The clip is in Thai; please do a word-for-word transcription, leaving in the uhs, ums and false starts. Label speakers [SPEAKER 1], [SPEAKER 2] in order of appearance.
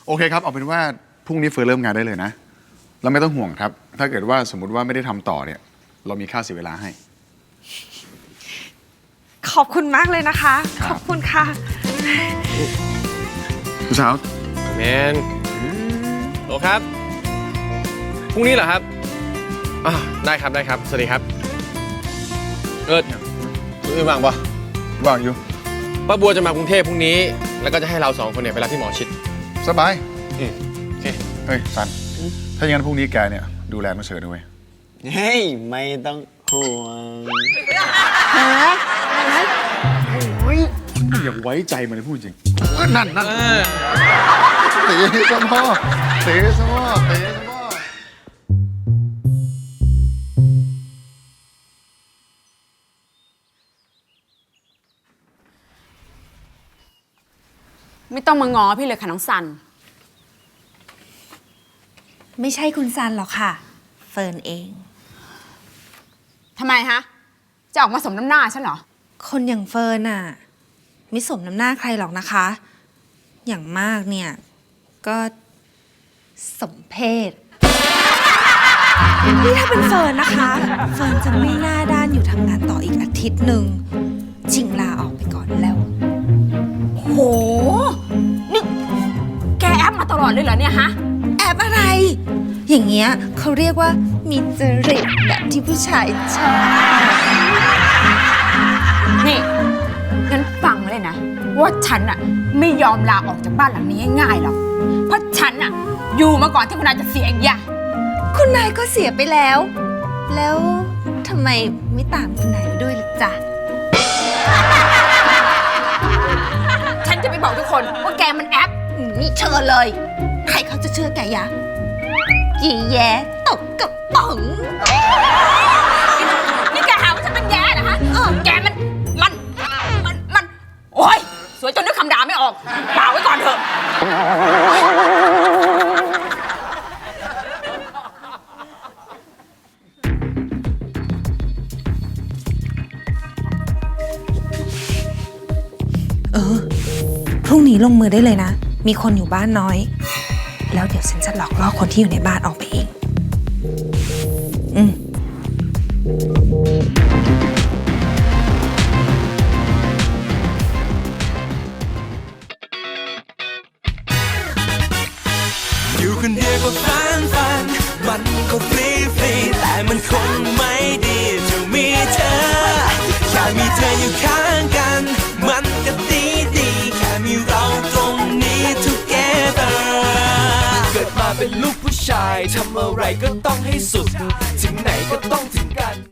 [SPEAKER 1] โอเคครับเอาเป็นว่าพรุ่งนี้เฟิร์นเริ่มงานได้เลยนะแล้วไม่ต้องห่วงครับถ้าเกิดว่าสมมุติว่าไม่ได้ทำต่อเนี่ยเรามีค่าเสียเวลาให้
[SPEAKER 2] ขอบคุณมากเลยนะคะขอบคุณค่ะ
[SPEAKER 1] ผู้สาว
[SPEAKER 3] แมนโหลครับพรุ่งนี้เหรอครับอ่าได้ครับได้ครับสวัสดีครับเออคุณอื่นว่างปะ
[SPEAKER 1] ว่างอยู่
[SPEAKER 3] ป้าบัวจะมากรุงเทพพรุ่งนี้แล้วก็จะให้เราสองคนเนี่ยไปรับที่หมอชิด
[SPEAKER 1] สบาย
[SPEAKER 3] อืมโอเค
[SPEAKER 1] เฮ้ยซันถ้าอย่างนั้นพรุ่งนี้แกเนี่ยดูแลน้องเฉินด้วย
[SPEAKER 4] เฮ้ยไม่ต้องห่วง
[SPEAKER 1] ฮะโอ้ยอย่าไว้ใจมันเลยพูดจริงนั่นนั่นเตะสมอเตะสมอเตะสมอ
[SPEAKER 5] ไม่ต้องมาง้อพี่เลยค่ะน้องซัน
[SPEAKER 2] ไม่ใช่คุณซันหรอกค่ะเฟิร์นเอง
[SPEAKER 5] ทำไมฮะจะออกมาสมน้ำหน้าฉันเหรอ
[SPEAKER 2] คนอย่างเฟิร์นน่ะไม่สมน้ำหน้าใครหรอกนะคะ อย่างมากเนี่ยก็สมเพศนี่ถ้าเป็นเฟิร์นนะคะเฟิร์นจะไม่หน้าด้านอยู่ทำงานต่ออีกอาทิตย์หนึ่งชิงลาออกไปก่อนแล้ว
[SPEAKER 5] โหนี่แกแอปมาตลอดเลยเหรอเนี่ยฮะ
[SPEAKER 2] แอบอะไรอย่างเงี้ยเขาเรียกว่ามีจริตแบบที่ผู้ชายชอบ
[SPEAKER 5] นี่งั้นฟังเลยนะว่าฉันอะไม่ยอมลาออกจากบ้านหลังนี้ง่ายๆหรอกเพราะฉันอะอยู่มาก่อนที่คุณนายจะเสียอย่างเงี้ย
[SPEAKER 2] คุณนายก็เสียไปแล้วแล้วทำไมไม่ตามคุณนายไปด้วยล่ะจ๊ะ
[SPEAKER 5] ฉันจะไปบอกทุกคนว่าแกมันแอปนี่เชิญเลย
[SPEAKER 2] ใครเขาจะเชื่อแกยะยี่แย่ตกกระป๋อง
[SPEAKER 5] นี่แกหาว่าฉันเป็นแย่เหรอฮะเออแกมันมันมันมันโอ๊ยสวยจนนึกคำด่าไม่ออกเปล่าไว้ก่อนเถอะ
[SPEAKER 2] เออพรุ่งนี้ลงมือได้เลยนะมีคนอยู่บ้านน้อยแล้วเดี๋ยวฉันจะหลอกล่อคนที่อยู่ในบ้านออกไปเองอืม
[SPEAKER 6] อยู่คนเดียวก็ฟันฟันมันก็ฟรีฟรีแต่มันคงไม่ดีจะมีเธอแค่มีเธออยู่ข้างกันมันก็ดีดีแค่มีเราตรงนี้ together เกิดมาเป็นลูกผู้ชายทำอะไรก็ต้องให้สุดถึงไหนก็